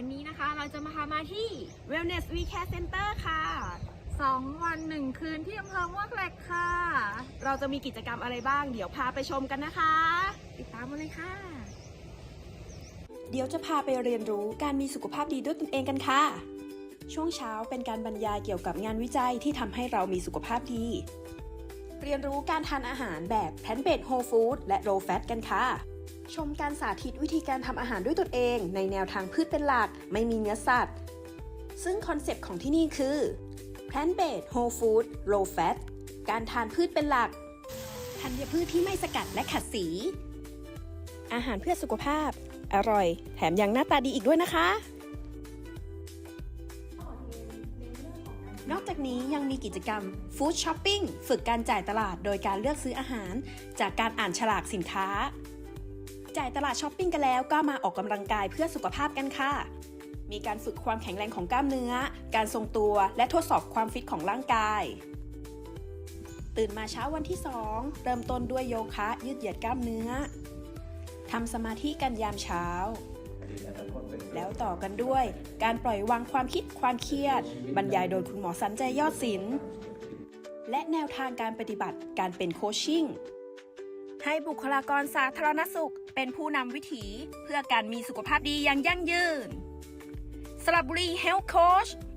วันนี้นะคะเราจะมาพามาที่ Wellness We Care Center ค่ะ 2 วัน 1 คืนที่อำเภอมวกเหล็กค่ะเราจะมีกิจกรรมอะไรบ้าง เดี๋ยวพาไปชมกันนะคะติดตามมาเลยค่ะเดี๋ยวจะพาไปเรียนรู้การมีสุขภาพดีด้วยตนเองกันค่ะ ช่วงเช้าเป็นการบรรยายเกี่ยวกับงานวิจัยที่ทำให้เรามีสุขภาพดี เรียนรู้การทานอาหารแบบแพลนต์เบสโฮลฟู้ดและโลว์แฟตกันค่ะ ชมการสาธิตวิธีการทำอาหารด้วยตนเองในแนวทางพืชเป็นหลักไม่มีเนื้อสัตว์ ซึ่งคอนเซปต์ของที่นี่คือ Plant Based Whole Food Low Fat การทานพืชเป็นหลักธัญพืชที่ไม่สกัดและขัดสี อาหารเพื่อสุขภาพอร่อยแถมยังหน้าตาดีอีกด้วยนะคะ นอกจากนี้ยังมีกิจกรรม Food Shopping ฝึกการจ่ายตลาดโดยการเลือกซื้ออาหารจากการอ่านฉลากสินค้า จ่ายตลาดช้อปปิ้งกันแล้วก็มาออกกำลังกายเพื่อสุขภาพกันค่ะ มีการฝึกความแข็งแรงของกล้ามเนื้อ การทรงตัวและทดสอบความฟิตของร่างกาย ตื่นมาเช้าวันที่ 2 เริ่มต้นด้วยโยคะยืดเหยียดกล้ามเนื้อ ทำสมาธิกันยามเช้า แล้วต่อกันด้วยการปล่อยวางความคิดความเครียด บรรยายโดยคุณหมอสันใจยอดศิลป์ และแนวทางการปฏิบัติการเป็นโคชชิ่ง ให้บุคลากรสาธารณสุขเป็นผู้นำวิถีเพื่อการมีสุขภาพดีอย่างยั่งยืนสระบุรี Health Coach